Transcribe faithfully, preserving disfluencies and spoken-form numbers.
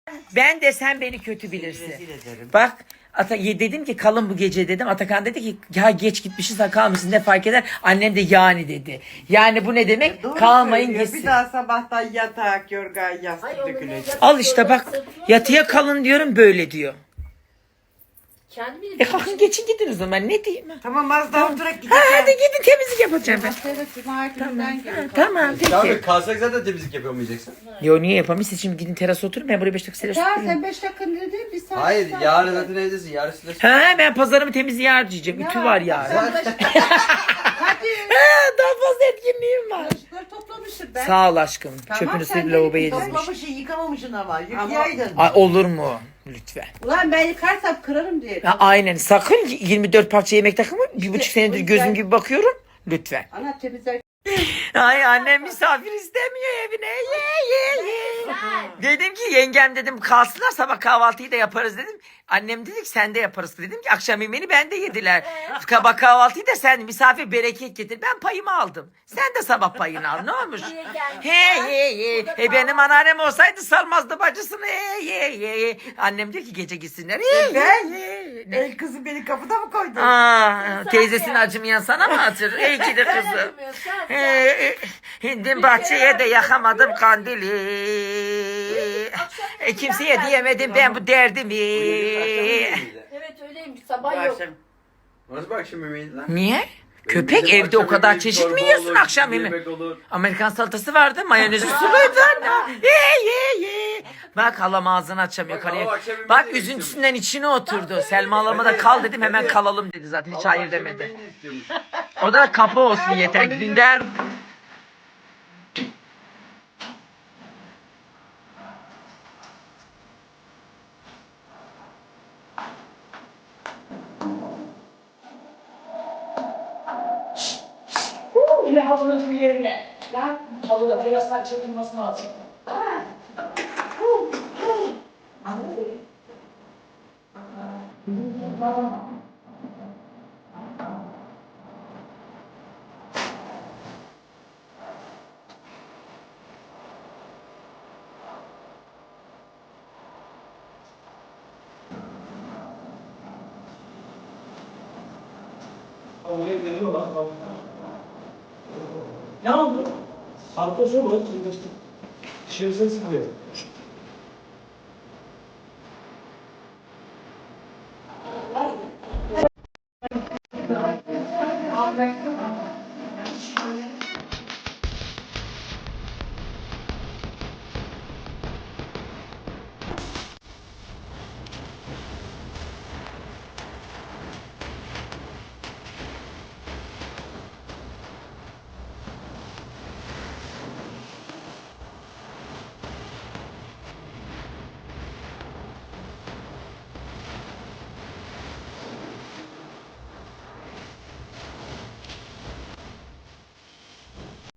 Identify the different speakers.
Speaker 1: Ben de sen beni kötü bilirsin.
Speaker 2: Rezil ederim.
Speaker 1: Bak Ata, dedim ki kalın bu gece dedim. Atakan dedi ki ya geç gitmişiz ha kalmışsın ne fark eder. Annem de yani dedi. Yani bu ne demek?
Speaker 2: Doğru
Speaker 1: Kalmayın
Speaker 2: söylüyor.
Speaker 1: gitsin.
Speaker 2: Bir daha sabahtan yatak, yorgan, yastık
Speaker 3: Ay, onu ne
Speaker 2: dökülecek.
Speaker 3: yap-
Speaker 1: Al işte bak yatıya kalın diyorum böyle diyor.
Speaker 3: Kendi bilir.
Speaker 1: E kalkın geçin gidin o zaman ne diyeyim ha?
Speaker 2: Tamam az daha oturak
Speaker 1: Ha,
Speaker 2: gideceğim.
Speaker 1: hadi gidin temizlik yapacağım ben.
Speaker 4: Haftaya da cuma gününden
Speaker 1: Ha,
Speaker 4: gelin.
Speaker 1: tamam peki.
Speaker 5: Abi kalsak zaten temizlik yapamayacaksın.
Speaker 1: Yo niye yapamayız? Şimdi gidin terasa oturun ben buraya beş dakika terasa
Speaker 4: Ya
Speaker 1: oturayım.
Speaker 4: sen beş dakika dedin bir saat.
Speaker 5: Hayır
Speaker 4: saat
Speaker 5: yarın
Speaker 4: dedin.
Speaker 5: zaten evdesin. Yarın size
Speaker 1: Ha ben pazarımı temizliğe harcayacağım.
Speaker 4: Ya,
Speaker 1: Ütü var yarın.
Speaker 4: sen bulaşık- Hadi.
Speaker 1: Ha, daha fazla etkinliğim var.
Speaker 4: Bulaşıkları toplamışım ben.
Speaker 1: Sağ ol aşkım.
Speaker 4: Tamam,
Speaker 1: Çöpünü
Speaker 4: sen
Speaker 1: silip
Speaker 4: de
Speaker 1: lavaboya
Speaker 4: git,
Speaker 1: dizmiş.
Speaker 2: Toplamışsın yıkamamışsın ama.
Speaker 4: Ama-
Speaker 2: Yıkayaydın.
Speaker 1: Ay, olur mu? Lütfen.
Speaker 4: Ulan ben yıkarsam kırarım diye.
Speaker 1: Ha, aynen. Sakın yirmi dört parça yemek takımı. Bir buçuk senedir gözüm gibi bakıyorum. Lütfen.
Speaker 4: Ana temizler.
Speaker 1: Ay annem misafir istemiyor evine. Ye ye ye. Dedim ki yengem dedim kalsınlar sabah kahvaltıyı da yaparız dedim. Annem dedi ki sen de yaparız. Dedim ki akşam yemeğini ben de yediler. Sabah kahvaltıyı da sen misafir bereket getir. Ben payımı aldım. Sen de sabah payını al ne olmuş? He he he. E benim anneannem olsaydı sarmazdı bacısını. He he he. Annem diyor ki gece gitsinler. He, he,
Speaker 2: Ben?
Speaker 1: he. Ne?
Speaker 2: El kızı beni kapıda mı koydun?
Speaker 1: Aa, teyzesinin acımayan sana mı atır? İyi ki de kızım. Ee, Hindim bahçeye de yakamadım kandili. E, kimseye diyemedim ben bu derdimi.
Speaker 3: Evet öyleymiş. Sabah yok.
Speaker 5: Nasıl bu akşam yemeğiydi lan?
Speaker 1: Niye? Köpek
Speaker 5: Bizim
Speaker 1: evde
Speaker 5: akşam
Speaker 1: o kadar
Speaker 5: yemeği
Speaker 1: çeşit
Speaker 5: çorba
Speaker 1: mi yiyorsun
Speaker 5: olur,
Speaker 1: akşam yemeği?
Speaker 5: yemek olur.
Speaker 1: Amerikan salatası vardı, mayonezi suluydu anne. Ye ye ye. Bak halam ağzını açamıyor
Speaker 5: Bak,
Speaker 1: karıya.
Speaker 5: halam akşam yemeği
Speaker 1: Bak
Speaker 5: de
Speaker 1: üzüntüsünden içine oturdu. Selma halama da kal dedim hemen kalalım dedi zaten hiç hayır demedi. O da kapı olsun yeter Dündar.
Speaker 6: Yine halınızın yerine. Lan halıda birazdan çekilmesi lazım. Ne oldu? Hafta sonu dışarısı sıkıyor.